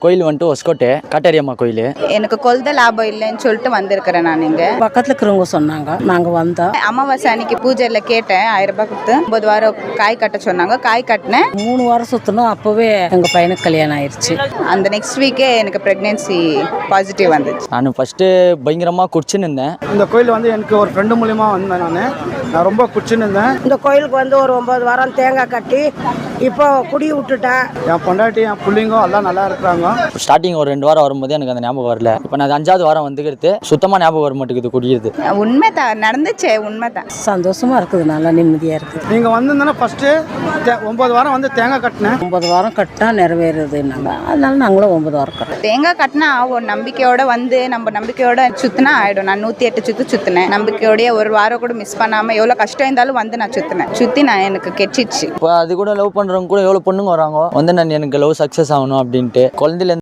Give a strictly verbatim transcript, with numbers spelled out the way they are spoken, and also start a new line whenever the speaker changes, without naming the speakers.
கோயில் வந்துட்டு ஒஸ்கோட்டை காட்டேரியம்மா கோயில்.
எனக்கு கொல்த லாபம் இல்லைன்னு சொல்லிட்டு வந்திருக்கிறேன். நான் இங்கே
பக்கத்தில் இருக்கிறவங்க சொன்னாங்க, நாங்கள் வந்தோம்.
அமாவாசை அன்னைக்கு பூஜையில் கேட்டேன், ஆயிரம் ரூபாய் கொடுத்து ஒன்பது வாரம் காய் கட்ட சொன்னாங்க. காய் கட்டினேன்,
மூணு வாரம் சுற்றணும். அப்போவே எங்கள் பையனுக்கு கல்யாணம் ஆயிடுச்சு.
அந்த நெக்ஸ்ட் வீக்கே எனக்கு ப்ரெக்னென்சி பாசிட்டிவ் வந்துச்சு.
நான் ஃபஸ்ட்டு பயங்கரமாக குடிச்சுன்னு இருந்தேன்.
இந்த கோயில் வந்து எனக்கு ஒரு ஃப்ரெண்டு மூலிமா வந்தேன். நான் நான் ரொம்ப குடிச்சுன்னு இருந்தேன்.
இந்த கோயிலுக்கு வந்து ஒரு ஒன்பது வாரம் தேங்காய் கட்டி இப்போ குடி விட்டுட்டேன்.
என் பொண்டாட்டி என் பிள்ளைங்க எல்லாம் நல்லா இருக்கிறாங்க.
ஸ்டார்டிங் ஒரு ரெண்டு வாரம் வரும்போது எனக்கு அந்த ஞாபகம் வரல. இப்போ நான் அஞ்சாவது வாரம் வந்துக்கிறது சுத்தமாக ஞாபகம் வர மாட்டேங்குது குடிக்கிறது.
உண்மை தான் நடந்துச்சு, உண்மை தான்.
சந்தோஷமா இருக்குது, நல்லா நிம்மதியாக இருக்குது.
நீங்கள் வந்திருந்தோன்னா ஃபஸ்ட்டு ஒன்பது வாரம் வந்து தேங்காய் கட்டினேன்.
ஒன்பது வாரம் கட்டினா நிறைவேறுதுன்னாங்க, அதனால நாங்களும் ஒன்பது வாரம் கட்டுறோம்.
தேங்காய் கட்டினா ஒரு நம்பிக்கையோட வந்து நம்ம நம்பிக்கையோட சுத்தினா ஆயிடும். நான் நூற்றி எட்டு சுற்று சுற்றினேன் நம்பிக்கையோடய. ஒரு வாரம் கூட மிஸ் பண்ணாமல் எவ்வளோ கஷ்டம் இருந்தாலும் வந்து நான் சுற்றினேன். சுற்றி நான் எனக்கு கெச்சிச்சு.
இப்போ அது கூட லவ் பண்ணுறவங்க கூட எவ்வளோ பொண்ணுங்க வராங்க வந்து நான் எனக்கு லவ் சக்ஸஸ் ஆகணும் அப்படின்ட்டு. குழந்தையில